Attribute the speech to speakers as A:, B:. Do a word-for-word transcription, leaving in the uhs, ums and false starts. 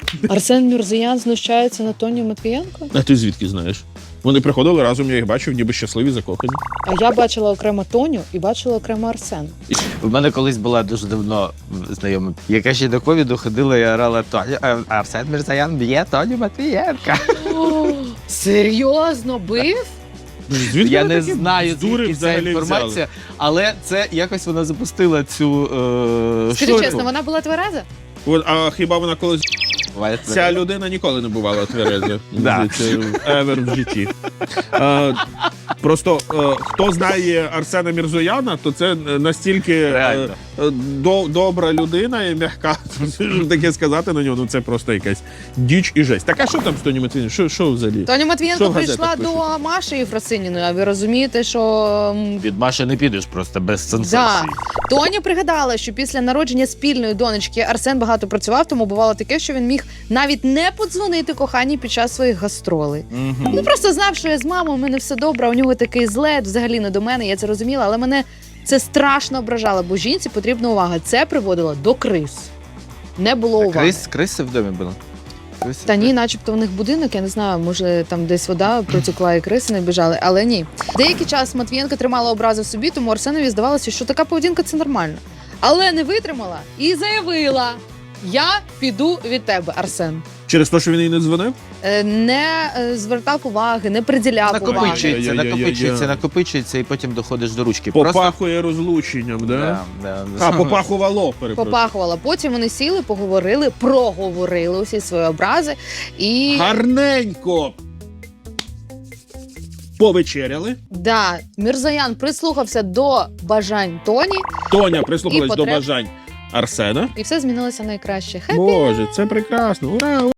A: Арсен Мірзоян знущається на Тоні Матвієнко?
B: А ти звідки знаєш? Вони приходили разом, я їх бачив, ніби щасливі, закохані.
A: А я бачила окремо Тоню і бачила окремо Арсена.
C: У мене колись була дуже давно знайома, яка ще до ковіду ходила і орала Тоню, а Арсен Мірзоян б'є Тоню Матвієнка.
A: Серйозно бив?
B: Звідки
C: Я
B: вони
C: не
B: такі
C: знаю,
B: бздури
C: звідки ця
B: взагалі
C: інформація,
B: взяли?
C: але це якось вона запустила цю е,
A: Скажи
C: штуку.
A: чесно, вона була твереза?
B: От, а хіба вона колись...
C: Буває
B: Ця
C: це.
B: людина ніколи не бувала твереза.
C: Да.
B: Евер в житті. Е, Просто е, хто знає Арсена Мірзояна, то це настільки е,
C: Реально.
B: е, до, добра людина і м'яка. Щоб таке сказати на нього, ну це просто якась діч і жесть. Так а що там з Тоні Матвієнко? Що, що взагалі?
A: Тоня
B: Що
A: Матвієнко
B: в газетах
A: прийшла до Маші Єфросиніної, а ви розумієте, що... м,
C: Від Маші не підеш просто без
A: Да.
C: сенсації.
A: Тоня пригадала, що після народження спільної донечки Арсен багато працював, тому бувало таке, що він міг навіть не подзвонити коханій під час своїх гастролей.
C: Мгм.
A: Ну просто знав, що я з мамою, у мене все добре, а у нього такий злет, взагалі не до мене, я це розуміла, але мене це страшно ображало, бо жінці потрібна увага. Це приводило до криз. Не було уваги.
C: Крис, криси в домі були? Криси
A: Та
C: в
A: ні,
C: домі?
A: начебто в них будинок, я не знаю, може там десь вода протекла і криси не біжали, але ні. Деякий час Матвієнка тримала образи в собі, тому Арсенові здавалося, що така поведінка – це нормально. Але не витримала і заявила: я піду від тебе, Арсен.
B: Через те, що він їй не дзвонив?
A: Е, Не е, звертав уваги, не приділяв уваги.
C: Накопичується,
B: Ай-яй-яй-яй-яй.
C: накопичується, накопичується, і потім доходиш до ручки. Просто...
B: Попахує розлученням, да?
C: Да, да, да.
B: А, попахувало, перепрошую.
A: Попахувала. Потім вони сіли, поговорили, проговорили усі свої образи і
B: Гарненько повечеряли.
A: да, Мірзоян прислухався до бажань Тоні,
B: Тоня прислухалась
A: І
B: до
A: потреб.
B: бажань Арсена.
A: і все змінилося найкраще. Хеппі!
B: Боже, це прекрасно. Ура!